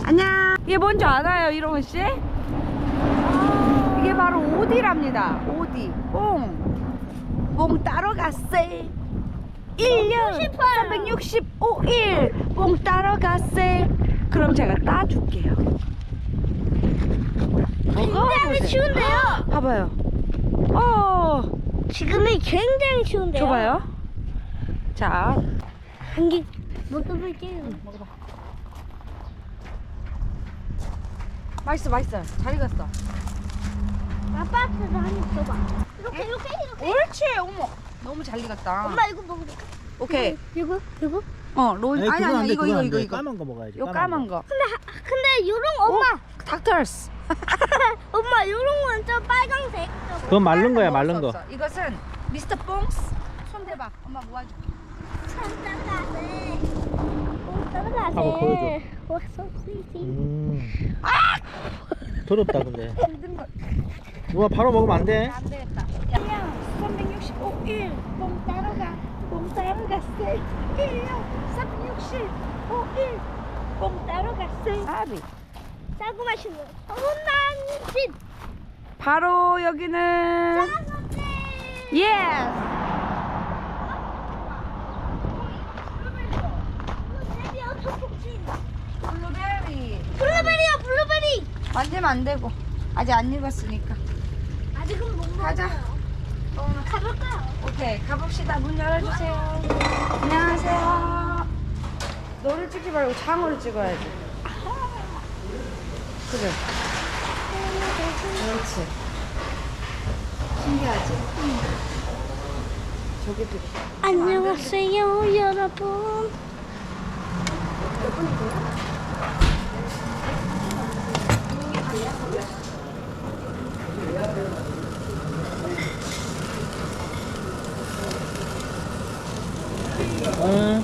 안녕. 이게 뭔지 알아요, 이롱은 씨? 이게 바로 오디랍니다. 오디. 뽕 따러 갔세. 1년 365일 뽕 따러 갔세. 그럼 제가 따줄게요. 굉장히 쉬운데요. 봐봐요. 지금이 굉장히 쉬운데요. 줘봐요. 자, 한개 먹어볼게요. 먹어봐. 맛있어. 잘 익었어. 아빠한테도 한입 줘봐. 이렇게. 옳지. 어머, 너무 잘 익었다. 엄마 이거 먹어볼까? 오케이. 이거? 로이. 에이, 그건 안 아니 돼, 이거. 그건 안 돼. 까만 거 먹어야지. 요 까만 거. 근데 요런 엄마. 닥터스. 엄마 요런 건 좀 빨강색. 그건 마른 거야, 마른 거. 이것은 미스터 뽕스. 손 대봐. 엄마 모아줄게. 따라가세. 한번 보여줘. 왔어, 스위티. 더럽다 근데. 힘든 거. 누가 바로 먹으면 안 돼. 안 되겠다. 야, 365일 뽕 따러 갔세. 1년 365일 뽕 따러 갔세. 아비. 짜고 맛있는 혼난 집. 바로 여기는 짜고집. 예스. 블루베리. 블루베리. 만지면 안 되고 아직 안 익었으니까. 아직은 못 가자. 먹어요. 가볼까요? 오케이, 가봅시다. 문 열어주세요. 안녕하세요. 너를 찍지 말고 장어를 찍어야지. 그래. 그렇지. 신기하지? 저기도. 안녕하세요, 여러분. 응.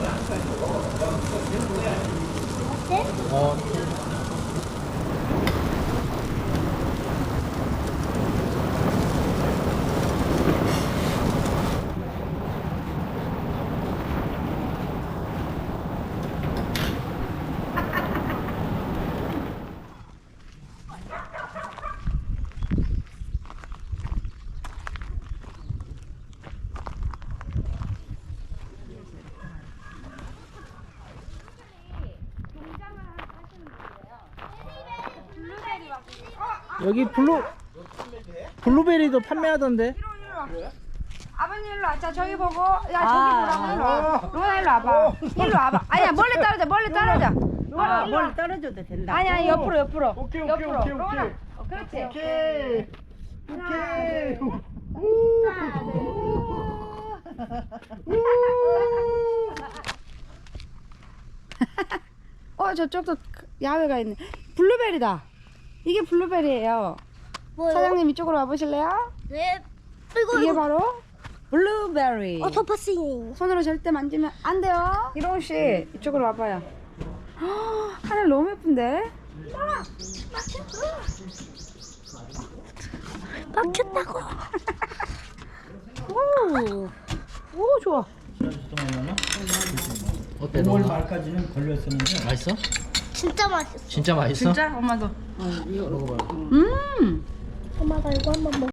여기 블루베리도 판매하던데. 아버님 일로 와. 자, 저기 보고. 야, 저기 보라고. 일로 와. 로나 일로 와봐. 일로 와봐. 아니야, 멀리 떨어져. 멀리 떨어져도 된다. 아니야, 옆으로. 오케이. 로나. 그렇지. 오케이. 저쪽도 야외가 있네. 블루베리다. 이게 블루베리예요. 뭐요? 사장님 이쪽으로 와보실래요? 네. 이게 바로 블루베리. 오토파싱. 손으로 절대 만지면 안 돼요. 이롱 씨 이쪽으로 와봐요. 하늘 너무 예쁜데? 막혔다고. 오 좋아. 어때? 5월 말까지는 걸렸었는데. 맛있어? 진짜 맛있어. 진짜 맛있어? 진짜? 엄마도. 먹어봐. 음. 엄마가 이거 한번 먹어.